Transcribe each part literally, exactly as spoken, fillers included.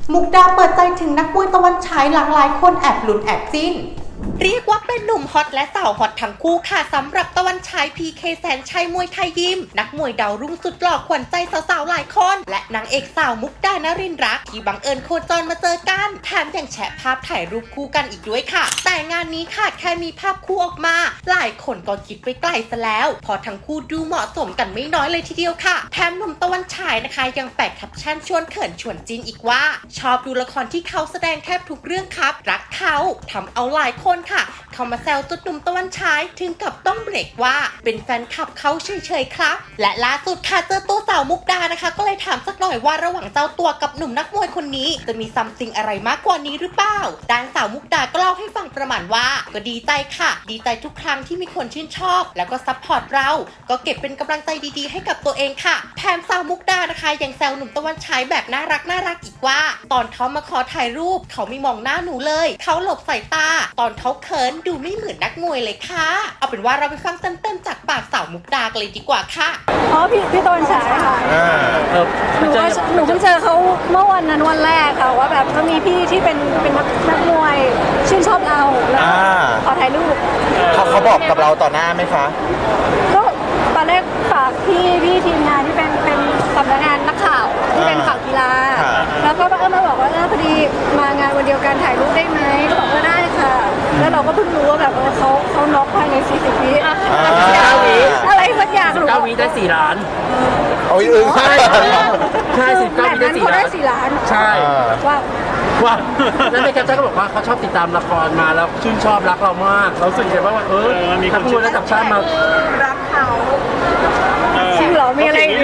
มุกดาเปิดใจถึงนักมวยตะวันฉายหลากหลายคนแอบลุ้นแอบจิ้นเรียกว่าเป็นหนุ่มฮอตและสาวฮอตทั้งคู่ค่ะสำหรับตะวันฉายพีเคแสนชัยมวยไทยยิมนักมวยดาวรุ่งสุดหล่อขวัญใจสาวๆหลายคนและนางเอกสาวมุกดานรินทร์รักที่บังเอิญโคจรมาเจอกันแถมยังแชะภาพถ่ายรูปคู่กันอีกด้วยค่ะแต่งานนี้ค่ะแค่มีภาพคู่ออกมาหลายคนก็คิดไปไกลซะแล้วพอทั้งคู่ดูเหมาะสมกันไม่น้อยเลยทีเดียวค่ะแถมหนุ่มตะวันฉายนะคะยังแปะแคปชั่นชวนเขินชวนจิ้นอีกว่าชอบดูละครที่เขาแสดงแทบทุกเรื่องครับรักเขาทำเอาหลายคนค่ะเขามาแซวจุดหนุ่มตะวันฉายถึงกับต้องเบรกว่าเป็นแฟนคลับเขาเฉยๆครับและล่าสุดค่ะเจอตัวสาวมุกดานะคะก็เลยถามสักหน่อยว่าระหว่างเจ้าตัวกับหนุ่มนักมวยคนนี้จะมีซัมติงอะไรมากกว่านี้หรือเปล่าด้านสาวมุกดาก็เล่าให้ฟังประมาณว่าก็ดีใจค่ะดีใจทุกครั้งที่มีคนชื่นชอบแล้วก็ซัพพอร์ตเราก็เก็บเป็นกำลังใจดีๆให้กับตัวเองค่ะแถมสาวมุกดานะคะยังแซวหนุ่มตะวันฉายแบบน่ารักน่ารักอีกว่าตอนเขามาขอถ่ายรูปเขาไม่มองหน้าหนูเลยเขาหลบสายตาตอนเขาเขินดูไม่เหมือนนักมวยเลยค่ะเอาเป็นว่าเราไปฟังเต็มๆจากปากสาวมุกดากันเลยดีกว่าค่ะอ๋อพี่พี่ตะวันฉายค่ะหนูก็หนูเพิ่งเจอเขาเมื่อวันนั้นวันแรกค่ะว่าแบบก็มีพี่ที่เป็นเป็นนักมวยชื่นชอบเราแล้วขอถ่ายรูปเขาเขาบอกกับเราต่อหน้าไหมคะก็ตอนแรกฝากพี่พี่ทีมงานที่เป็นเป็นสำนักงานนักข่าวที่เป็นข่าวกีฬาแล้วก็เออมาบอกว่าเออพอดีมางานวันเดียวกันถ่ายรูปได้ไหมก็บอกว่าได้ค่ะแล้วเราก็เพิ่งรู้ว่าแบบเออเขาเขาน็อกภายในสี่สิบวิอะไรสักอย่างหนูเก้าวิได้สี่ล้านโอ้ยอึ้งใช่ใช่สิบเก้าวิได้สี่ล้านใช่ว้าวว้าวแล้วในแคปชั่นก็บอกว่าเขาชอบติดตามละครมาแล้วชื่นชอบรักเรามากเราสึกไงว่าเออมีคนชื่นระดับชาติมารักเขาจริงเหรอมีอะไรเห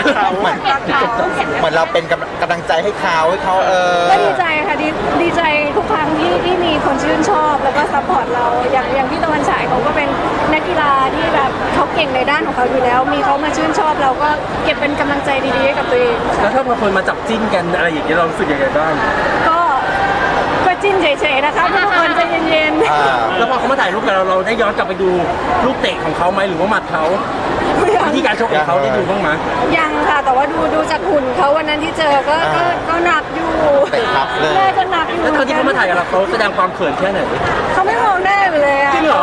มือนเราเป็นกำลังใจให้เขาให้เขาเออก็ดีใจค่ะดีดีใจทุกครั้งที่ที่มีคนชื่นชอบแล้วก็ซัพพอร์ตเราอย่างอย่างพี่ตะวันฉายเขาก็เป็นนักกีฬาที่แบบเขาเก่งในด้านของเขาอยู่แล้วมีเขามาชื่นชอบเราก็เก็บเป็นกำลังใจดีๆให้กับตัวเองแล้วถ้าบางคนมาจับจิ้นกันอะไรอย่างเงี้ยเรารู้สึกยังไงบ้างก็ก็จิ้นเฉยๆนะคะทุกคนใจเย็นๆแล้วพอเขามาถ่ายรูปกับเราเราได้ย้อนกลับไปดูลูกเตะของเขาไหมหรือว่าหมัดเขาวิธีการชกของเขาได้ดูบ้างไหมยังค่ะแต่ว่าดูดูจากหุ่นเขาวันนั้นที่เจอก็ก็ก็หนักอยู่น่าจะหนักอยู่แล้วตอนที่เขามาถ่ายกับเราเขาแสดงความเขินแค่ไหนเขาไม่มองหน้าเลยอ่ะจริงเหรอ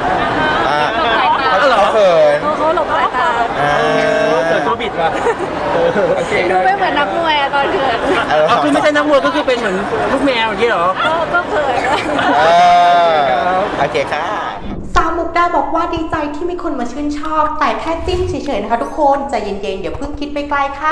เขาเหรอเขินเขาหลบสายตาเกิดตัวบิดว่ะดูไม่เหมือนนักมวยอะตอนเขินคือไม่ใช่นักมวยก็คือเป็นเหมือนลูกแมวอย่างนี้เหรอก็เขินโอเคค่ะสาวมุกดาบอกว่าดีใจที่มีคนมาชื่นชอบแต่แค่จิ้นเฉยๆนะคะทุกคนใจเย็นๆอย่าเพิ่งคิดไปไกลค่ะ